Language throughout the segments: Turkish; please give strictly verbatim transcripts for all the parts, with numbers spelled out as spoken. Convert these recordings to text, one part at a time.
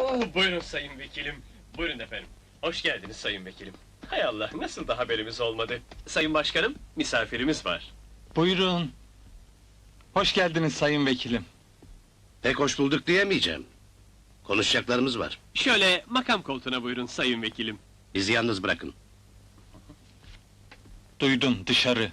Oo, buyurun sayın vekilim. Buyurun efendim. Hoş geldiniz sayın vekilim. Hay Allah, nasıl da haberimiz olmadı? Sayın başkanım, misafirimiz var. Buyurun. Hoş geldiniz sayın vekilim. Pek hoş bulduk diyemeyeceğim. Konuşacaklarımız var. Şöyle makam koltuğuna buyurun sayın vekilim. Bizi yalnız bırakın. Duydun, dışarı.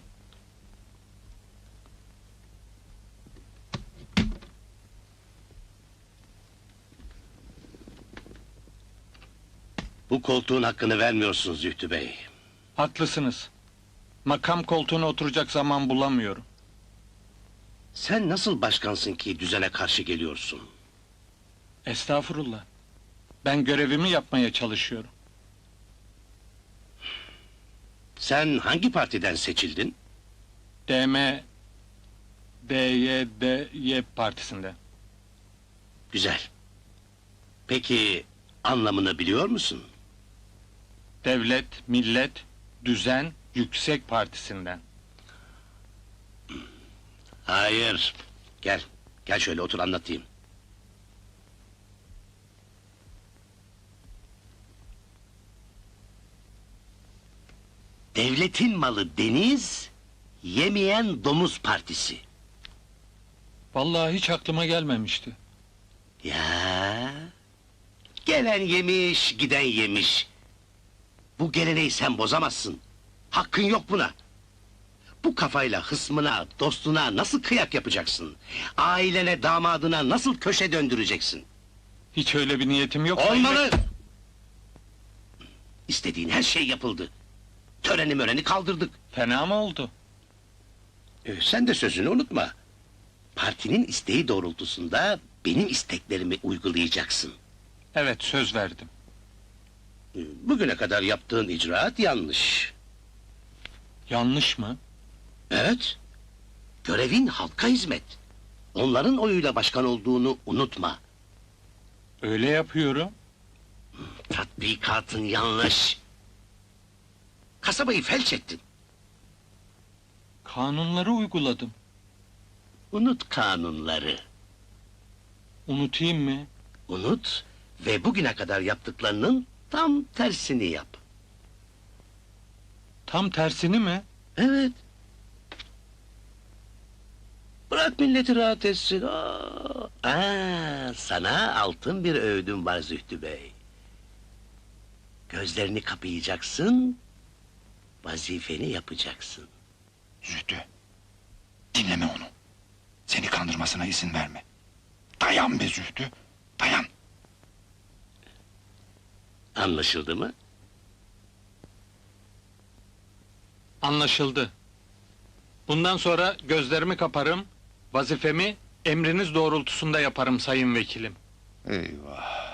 Bu koltuğun hakkını vermiyorsunuz Zühtü Bey. Haklısınız. Makam koltuğuna oturacak zaman bulamıyorum. Sen nasıl başkansın ki düzene karşı geliyorsun? Estağfurullah. Ben görevimi yapmaya çalışıyorum. Sen hangi partiden seçildin? D M D Y D Y partisinden. Güzel. Peki anlamını biliyor musun? Devlet, Millet, Düzen, Yüksek partisinden. Hayır. Gel. Gel şöyle otur anlatayım. Devletin malı deniz, yemeyen domuz partisi. Vallahi hiç aklıma gelmemişti. Ya. Gelen yemiş, giden yemiş. Bu geleneği sen bozamazsın. Hakkın yok buna. Bu kafayla hısmına, dostuna nasıl kıyak yapacaksın? Ailene, damadına nasıl köşe döndüreceksin? Hiç öyle bir niyetim yok. sayın Olmalı! vekilim. İstediğin her şey yapıldı. Töreni möreni kaldırdık. Fena mı oldu? Ee, sen de sözünü unutma. Partinin isteği doğrultusunda benim isteklerimi uygulayacaksın. Evet, söz verdim. Ee, Bugüne kadar yaptığın icraat yanlış. Yanlış mı? Evet. Görevin halka hizmet. Onların oyuyla başkan olduğunu unutma. Öyle yapıyorum. Tatbikatın yanlış. Kasabayı felç ettin. Kanunları uyguladım. Unut kanunları. Unutayım mı? Unut ve bugüne kadar yaptıklarının tam tersini yap. Tam tersini mi? Evet. Bırak milleti rahat etsin. Aa, Aa, sana altın bir öğüdüm var Zühtü Bey. Gözlerini kapayacaksın, vazifeni yapacaksın. Zühtü, dinleme onu. Seni kandırmasına izin verme. Dayan be Zühtü, dayan. Anlaşıldı mı? Anlaşıldı. Bundan sonra gözlerimi kaparım, vazifemi emriniz doğrultusunda yaparım sayın vekilim. Eyvah.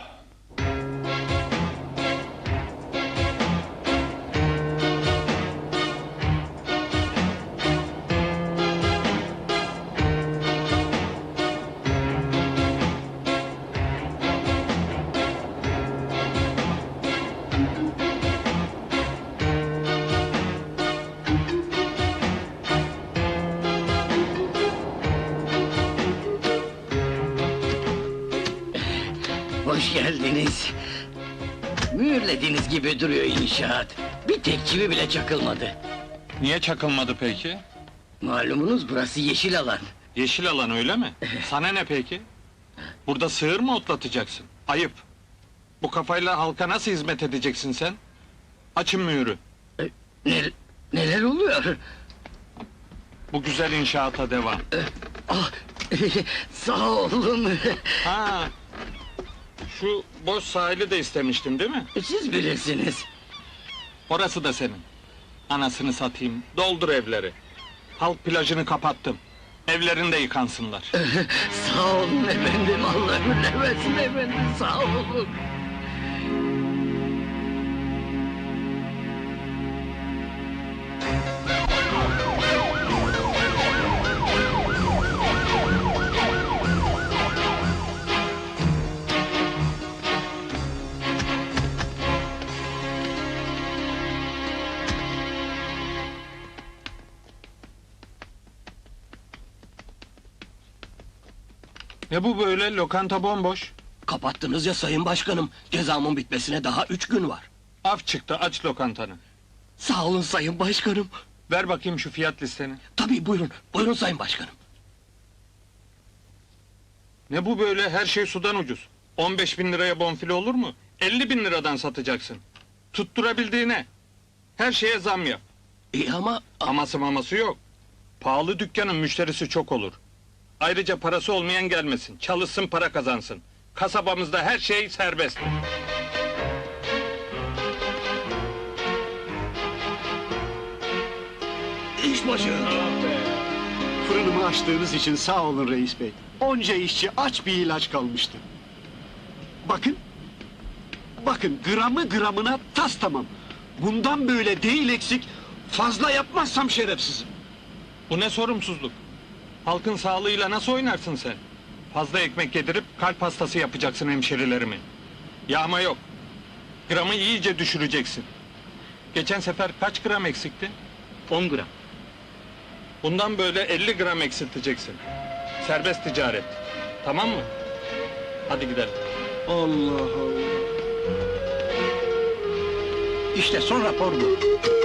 Hoş geldiniz. Mühürlediğiniz gibi duruyor inşaat. Bir tek çivi bile çakılmadı. Niye çakılmadı peki? Malumunuz burası yeşil alan. Yeşil alan öyle mi? Sana ne peki? Burada sığır mı otlatacaksın? Ayıp. Bu kafayla halka nasıl hizmet edeceksin sen? Açın mühürü. Ne, neler oluyor? Bu güzel inşaata devam. Ah, sağ olun. Ha. Şu boş sahili de istemiştin değil mi? Siz bilirsiniz. Orası da senin. Anasını satayım. Doldur evleri. Halk plajını kapattım. Evlerinde yıkansınlar. Sağ olun efendim, Allah ömürlemesin efendim, sağ olun. Ne bu böyle? Lokanta bomboş. Kapattınız ya sayın başkanım. Cezamın bitmesine daha üç gün var. Af çıktı, aç lokantanı. Sağ olun sayın başkanım. Ver bakayım şu fiyat listeni. Tabii buyurun, buyurun sayın başkanım. Ne bu böyle, her şey sudan ucuz. on beş bin liraya bonfile olur mu? elli bin liradan satacaksın. Tutturabildiğine. Her şeye zam yap. İyi ama... Aması maması yok. Pahalı dükkanın müşterisi çok olur. Ayrıca parası olmayan gelmesin. Çalışsın, para kazansın. Kasabamızda her şey serbest. İş başında. Fırınımı açtığınız için sağ olun reis bey. Onca işçi aç bir ilaç kalmıştı. Bakın. Bakın gramı gramına tas tamam. Bundan böyle değil eksik. Fazla yapmazsam şerefsizim. Bu ne sorumsuzluk? Halkın sağlığıyla nasıl oynarsın sen? Fazla ekmek yedirip kalp hastası yapacaksın hemşerilerimi. Yağma yok. Gramı iyice düşüreceksin. Geçen sefer kaç gram eksikti? on gram. Bundan böyle elli gram eksilteceksin. Serbest ticaret. Tamam mı? Hadi gidelim. Allah Allah. İşte son rapor bu.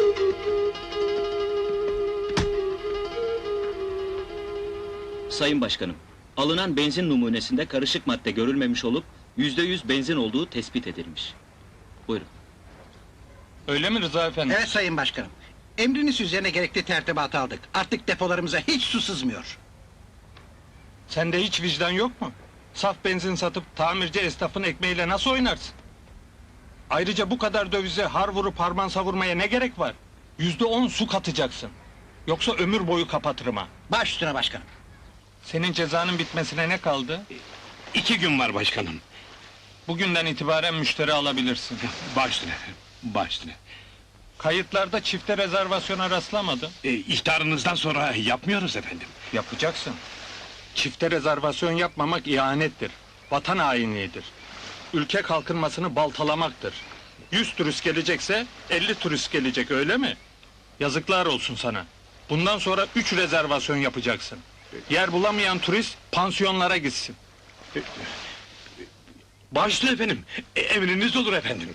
Sayın Başkanım, alınan benzin numunesinde karışık madde görülmemiş olup yüzde yüz benzin olduğu tespit edilmiş. Buyurun. Öyle mi Rıza Efendi? Evet sayın başkanım. Emriniz üzerine gerekli tertibatı aldık. Artık depolarımıza hiç su sızmıyor. Sende hiç vicdan yok mu? Saf benzin satıp tamirci esnafın ekmeğiyle nasıl oynarsın? Ayrıca bu kadar dövize har vurup harman savurmaya ne gerek var? Yüzde on su katacaksın. Yoksa ömür boyu kapatırım ha. Baş üstüne başkanım. Senin cezanın bitmesine ne kaldı? İki gün var başkanım. Bugünden itibaren müşteri alabilirsin. Başüstüne, başüstüne. Kayıtlarda çifte rezervasyona rastlamadım. E, ihtarınızdan sonra yapmıyoruz efendim. Yapacaksın. Çifte rezervasyon yapmamak ihanettir. Vatan hainliğidir. Ülke kalkınmasını baltalamaktır. Yüz turist gelecekse elli turist gelecek, öyle mi? Yazıklar olsun sana. Bundan sonra üç rezervasyon yapacaksın. Yer bulamayan turist pansiyonlara gitsin. Başüstüne efendim, e, emriniz olur efendim.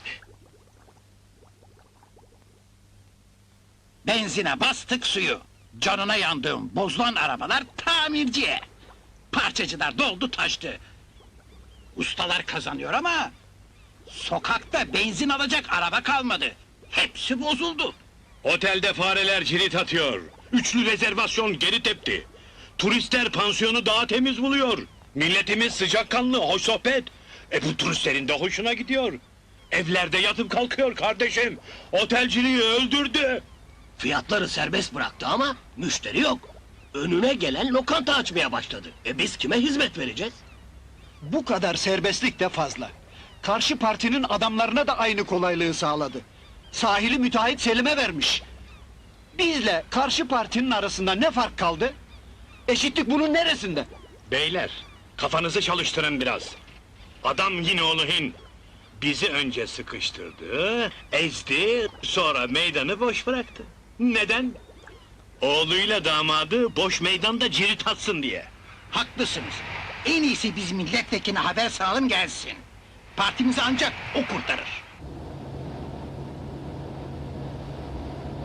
Benzine bastık suyu. Canına yandığım bozulan arabalar tamirciye. Parçacılar doldu taştı. Ustalar kazanıyor ama... sokakta benzin alacak araba kalmadı. Hepsi bozuldu. Otelde fareler cirit atıyor. Üçlü rezervasyon geri tepti. Turistler pansiyonu daha temiz buluyor. Milletimiz sıcakkanlı, hoş sohbet. E bu turistlerin de hoşuna gidiyor. Evlerde yatıp kalkıyor kardeşim. Otelciliği öldürdü. Fiyatları serbest bıraktı ama müşteri yok. Önüne gelen lokanta açmaya başladı. E biz kime hizmet vereceğiz? Bu kadar serbestlik de fazla. Karşı partinin adamlarına da aynı kolaylığı sağladı. Sahili müteahhit Selim'e vermiş. Bizle karşı partinin arasında ne fark kaldı? Eşitlik bunun neresinde? Beyler, kafanızı çalıştırın biraz. Adam yine oğlu Hin. Bizi önce sıkıştırdı, ezdi, sonra meydanı boş bıraktı. Neden? Oğluyla damadı boş meydanda cirit atsın diye. Haklısınız. En iyisi biz milletvekiline haber salın gelsin. Partimizi ancak o kurtarır.